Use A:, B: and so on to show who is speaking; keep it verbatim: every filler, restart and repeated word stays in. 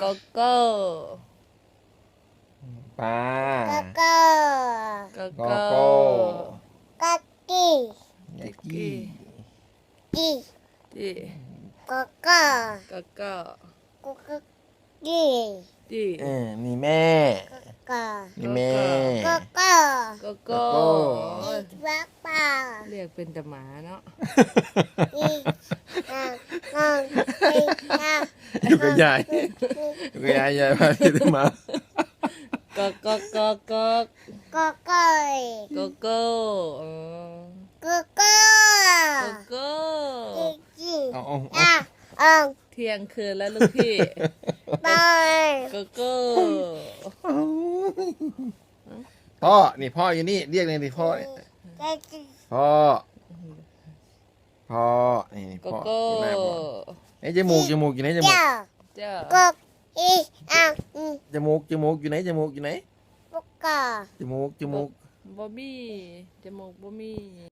A: โกโก้
B: ปลา
C: โกโก้
A: โก
B: โก
A: โก้
B: โก้
C: กะกี้
B: ยากี้
C: กี้
A: จี
C: โกโก้
A: โกโก้
C: โกโก้กี้
A: จี
B: เออนี่แม่
C: โกโก้
B: นี่แม่
C: โกโก้
A: โกโก้
B: โกโก้
C: อีกว่าเปล่า
A: เรียกเป็นแต่หมาเนาะ
C: อีกอ่ะอ่ะอีกอ่ะ
B: อยู่กับยายอยู่กับยายยายพาพี่มา
A: โกโกโกโก
C: โกโก้
A: โกโก้เออ
C: โกโก้
A: โกโก้
C: อีกกี้
B: เอาเอาเอา
C: อ่ะอ่ะ
A: เที่ยงคืนแล้วลูกพี่
C: ไป
A: โกโก้
B: พ่อนี่พ่ออยู่นี่เรียกเลยดิพ่อ
C: กะกี้
B: พ่อพ่อนี่นี่
A: โก
B: พ่อ
A: โก้
B: อยู่หน้าพ่อไอ้จมูกจมูกอยู่ไหนจมูก
C: เจ้า
A: เจ้า
C: โกอีกอ่ะอืม
B: จมูกจมูกอยู่ไหนจมูกอยู่ไหน
C: โกโก้
B: จมูกจมูก
A: บอบบี้จมูกบอบบี้